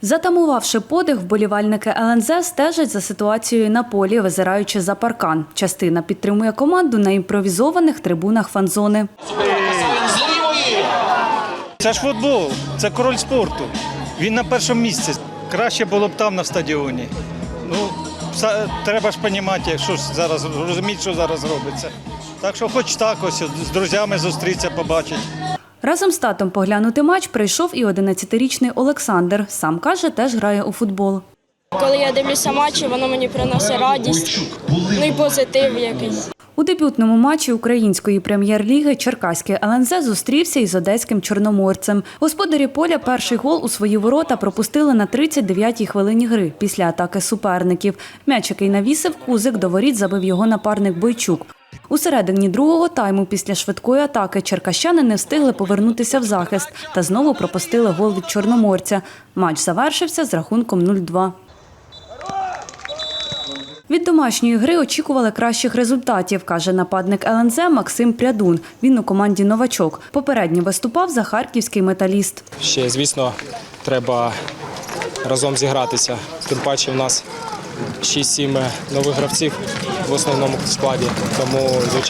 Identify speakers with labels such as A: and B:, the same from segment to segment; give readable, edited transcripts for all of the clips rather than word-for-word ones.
A: Затамувавши подих, вболівальники ЛНЗ стежать за ситуацією на полі, визираючи за паркан. Частина підтримує команду на імпровізованих трибунах фан-зони.
B: Це ж футбол, це король спорту. Він на першому місці. Краще було б там на стадіоні. Треба ж розуміти, що зараз робиться. Так що хоч так ось з друзями зустрітися, побачити.
A: Разом з татом поглянути матч прийшов і 11-річний Олександр. Сам каже, теж грає у футбол.
C: Коли я дивлюся матчі, воно мені приносить радість, і позитив якийсь.
A: У дебютному матчі української прем'єр-ліги черкаський ЛНЗ зустрівся із одеським Чорноморцем. Господарі поля перший гол у свої ворота пропустили на 39-й хвилині гри після атаки суперників. М'яч, який навісив Кузик, до воріт забив його напарник Бойчук. У середині другого тайму після швидкої атаки черкащани не встигли повернутися в захист та знову пропустили гол від Чорноморця. Матч завершився з рахунком 0-2. Від домашньої гри очікували кращих результатів, каже нападник ЛНЗ Максим Прядун. Він у команді «Новачок». Попередньо виступав за харківський «Металіст».
D: Ще, звісно, треба разом зігратися. Тим паче в нас 6-7 нових гравців в основному складі. Тому,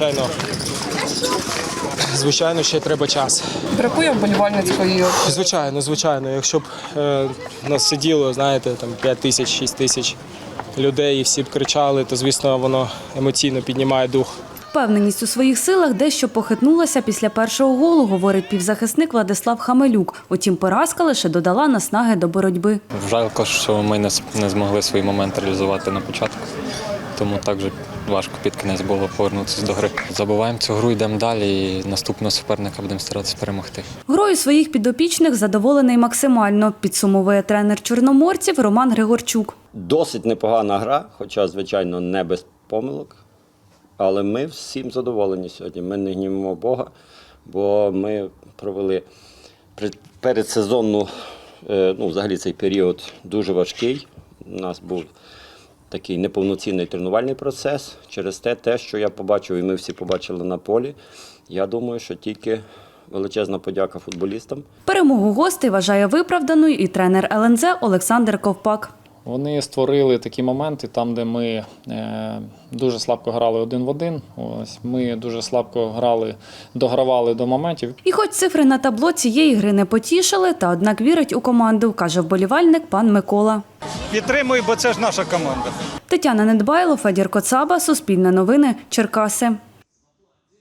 D: звичайно, ще треба час.
E: Бракує вболівальницької?
D: Звичайно. Якщо б нас сиділо, знаєте, там 5 тисяч, 6 тисяч людей і всі б кричали, то, звісно, воно емоційно піднімає дух.
A: Впевненість у своїх силах дещо похитнулася після першого голу, говорить півзахисник Владислав Хамелюк. Утім, поразка лише додала наснаги до боротьби.
F: Жалко, що ми не змогли свій момент реалізувати на початку. Тому так же важко під кінець було повернутися до гри. Забуваємо цю гру, йдемо далі і наступного суперника будемо старатися перемогти.
A: Грою своїх підопічних задоволений максимально, підсумовує тренер чорноморців Роман Григорчук.
G: Досить непогана гра, хоча, звичайно, не без помилок. Але ми всім задоволені сьогодні. Ми не гнівимо Бога, бо ми провели передсезонну, взагалі цей період дуже важкий. У нас був такий неповноцінний тренувальний процес. Через те, що я побачив, і ми всі побачили на полі, я думаю, що тільки величезна подяка футболістам.
A: Перемогу гостей вважає виправданою і тренер ЛНЗ Олександр Ковпак.
H: Вони створили такі моменти, там, де ми дуже слабко грали один в один. Ми дуже слабко догравали до моментів.
A: І хоч цифри на табло цієї гри не потішили, та однак вірить у команду, каже вболівальник пан Микола.
B: Підтримую, бо це ж наша команда.
A: Тетяна Недбайло, Федір Коцаба, Суспільне новини, Черкаси.